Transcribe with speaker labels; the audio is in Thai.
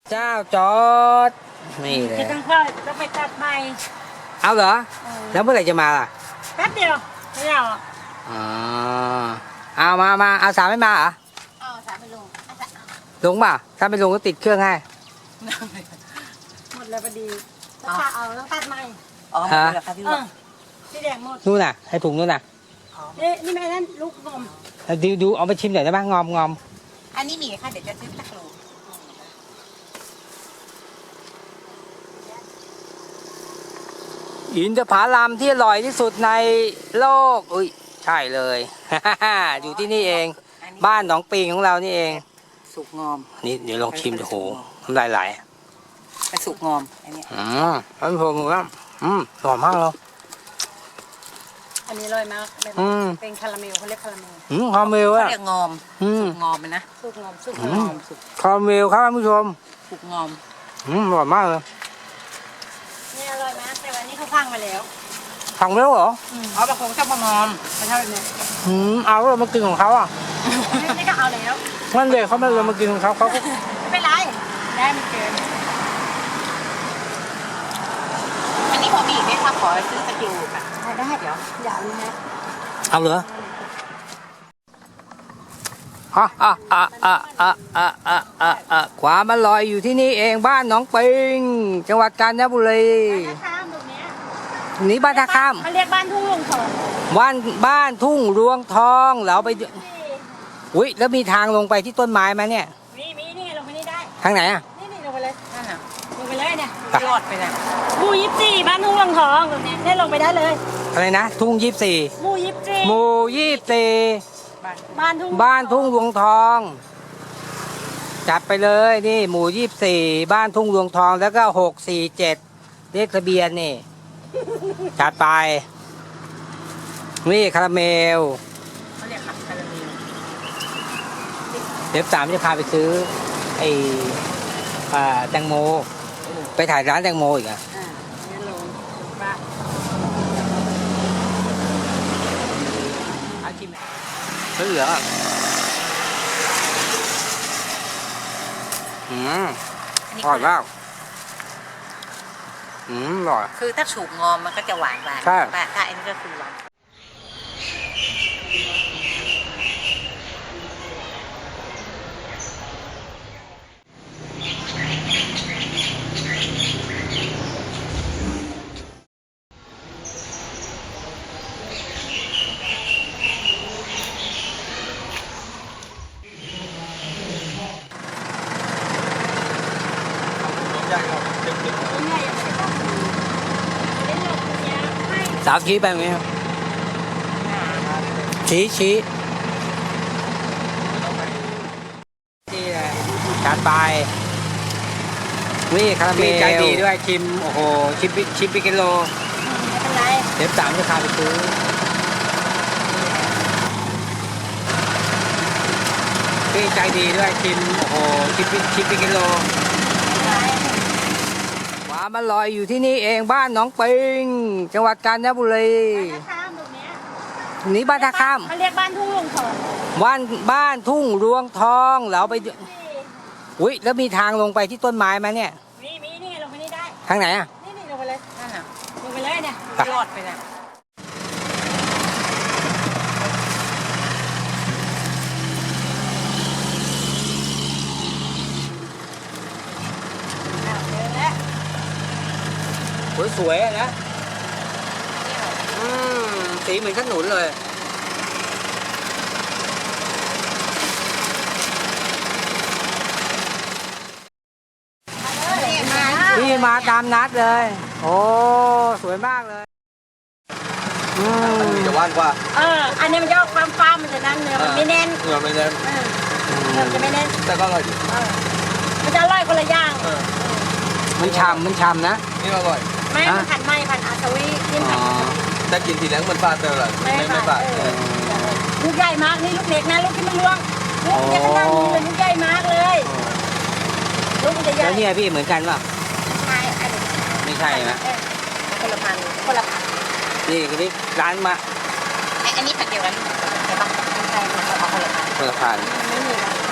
Speaker 1: เจ้าจอดนี่เลย
Speaker 2: จะต้องเพิ่มต้องไปตัดใหม่
Speaker 1: เอาเหรอแล้วเมื่อไหร่จะมาล่ะ
Speaker 2: แป๊บเดียวไม่เอา
Speaker 1: อ๋อเอามาเอาสามไม่มาเหรอ
Speaker 2: เอาสามไปลง
Speaker 1: ลงป่ะถ้าไม่ลงก็ติดเครื่องให้
Speaker 2: หมดแล้วพอดีต้องเอาต้องตัดใหม่
Speaker 3: อ๋อหมดแล้วค่ะพี่ลูก
Speaker 2: ที่แดงหมด
Speaker 1: นู่นน่ะให้ถุงนู่นน่ะ
Speaker 2: นี่แม่นั่นลูกนม
Speaker 1: ดูเอาไปชิมหน่อยได้ไหมงอม
Speaker 3: อันนี้มีค่ะเดี๋ยวจะซื้อสักโล
Speaker 1: อินทผลัมที่อร่อยที่สุดในโลกอุ้ยใช่เลย อยู่ที่นี่เองบ้านหนองปิงของเรานี่เอง
Speaker 3: สุกงอม
Speaker 1: นี่เดี๋ยวลองชิมดูโหน้ำลายไหล
Speaker 3: เป็นสุกงอมอันนี้
Speaker 1: ท่านผู้ชมครับหอมมากเลย
Speaker 2: อันนี้อร่อยมากเป็นคาราเมลเขาเรียกคาราเมล
Speaker 1: คาราเมลอะ
Speaker 3: เรียกงอมสุกงอมนะ
Speaker 2: สุกงอมสุก
Speaker 1: งอมคาราเมลครับท่านผู้ชม
Speaker 3: สุกงอม
Speaker 1: อร่อยมากเลย
Speaker 2: นี่อร่อยมากแต่วันนี้เขาพังมาแล้ว
Speaker 1: พังแล้วเหรอ
Speaker 3: เอาบางคนชอบมางอม
Speaker 2: ไม่ใช่แบบนี้
Speaker 1: เอาเรามากินของเขาอ่ะ
Speaker 2: นี่ก็เอาแล้ว
Speaker 1: นั่นเลยเขาไม่เรามากินของเขาก็
Speaker 2: ไม่เป็นไรได้ไม่เกิน
Speaker 3: อันนี้พอมีอีกไหมคะขอซื้อสกิลค่ะ
Speaker 2: ได้เดี๋ยวอย่าเลยนะ
Speaker 1: เอาเหรอความอร่อยอยู่ที่นี่เองบ้านหนองปิงจังหวัดกาญจนบุรีนี่บ้านท่าข้าม
Speaker 2: เขาเรียกบ้านทุ่งรวงทอง
Speaker 1: บ้านทุ่งรวงทองเราไปอุ้ยแล้วมีทางลงไปที่ต้นไม้ไหมเนี่ย
Speaker 2: มีนี่ลงไปนี่ได้
Speaker 1: ทางไหนอ่ะ
Speaker 2: นี่ลงไปเลยนั่นน่ะลงไปเลยเนี่ย
Speaker 3: ยอดไปเลย
Speaker 2: หมู่24บ้านทุ่งรวงทองตรงนี้ได้ลงไปได้เลย
Speaker 1: อะไรนะทุ่ง24
Speaker 2: หมู่
Speaker 1: 24บ้านทุ่งรวงทองจัดไปเลยนี่หมู่24บ้านทุ่งรวงทองแล้วก็647เลขทะเบียนนี่จัดไปนี่คาราเมล
Speaker 3: เขาเรียกคาราเมล
Speaker 1: เดี๋ยว3จะพาไปซื้อไอ้แตงโมไปถ่ายร้านแตงโมอีกอ่ะ
Speaker 2: นี่ลงบ้
Speaker 1: อาชิมซื้อเหรออร่อยมากอร่อย
Speaker 3: คือถ้าสุกงอมมันก็จะหวาน
Speaker 1: ใช่
Speaker 3: ถ้าอันนี้ก็คือหวาน
Speaker 1: สาวชี้ไปไหมครับชี้นี่แหละจัดไปนี่คาราเมลใจดีด้วยชิมโอ้โหชิมไปกิโล
Speaker 2: ไม่เป็นไร
Speaker 1: เดี๋ยว3จะพาไปซื้อพี่ใจดีด้วยชิมโอ้โหชิมไปกิโลความอร่อยอยู่ที่นี่เองบ้านหนองปิงจังหวัดกาญจนบุรีนี่บ้านท่าข้าม
Speaker 2: เขาเรียกบ้านทุ่งรวงทอง
Speaker 1: บ้านทุ่งรวงทองเราไปอุ้ยแล้วมีทางลงไปที่ต้นไม้ไหมเนี่ย
Speaker 2: มีนี่ลงไปนี่ได้
Speaker 1: ทางไหนอ่ะ
Speaker 2: นี่ลงไปเลยนั่นน่ะลงไปเลยเนี่ย
Speaker 3: ยอดไปเลย
Speaker 1: สวยๆนะสีเหมือนขนุนเลยพี่มาตามนัดเลยโอ้สวยมากเลย
Speaker 4: จะว่านกว่า
Speaker 2: อันนี้มันจะออกฟ้ามันจะนั่นเนื้อมันไม่แน่น
Speaker 4: เนื้อไม่แน่น
Speaker 2: มันจะไม่แน่น
Speaker 4: แต่ก็อร่อยดี
Speaker 2: มันจะอร่อยคนละอย่าง
Speaker 1: มันฉ่ำนะ
Speaker 4: นี่อร่อย
Speaker 2: ไม่ผัดอาซาวิกินผัด
Speaker 4: แต่กินทีแรกมันปลาเตอร์เลยไม่ปลา
Speaker 2: ลูกใหญ่มากนี่ลูกเล็กนะลูกที่มันล่วงลูกยังนั่งนี่เลยลูกใหญ่มากเลยลูกมันจะใหญ่
Speaker 1: แล้วเนี่ยพี่เหมือนกันป่ะ
Speaker 2: ใช่
Speaker 1: ไม่ใช่ไหม
Speaker 2: คนละพัน
Speaker 1: นี่คือนี่ร้านมา
Speaker 3: อันนี้ผัดเดียวกันใช่ปะใช่เอาคนละพัน
Speaker 1: คนละพัน
Speaker 2: ไม่มี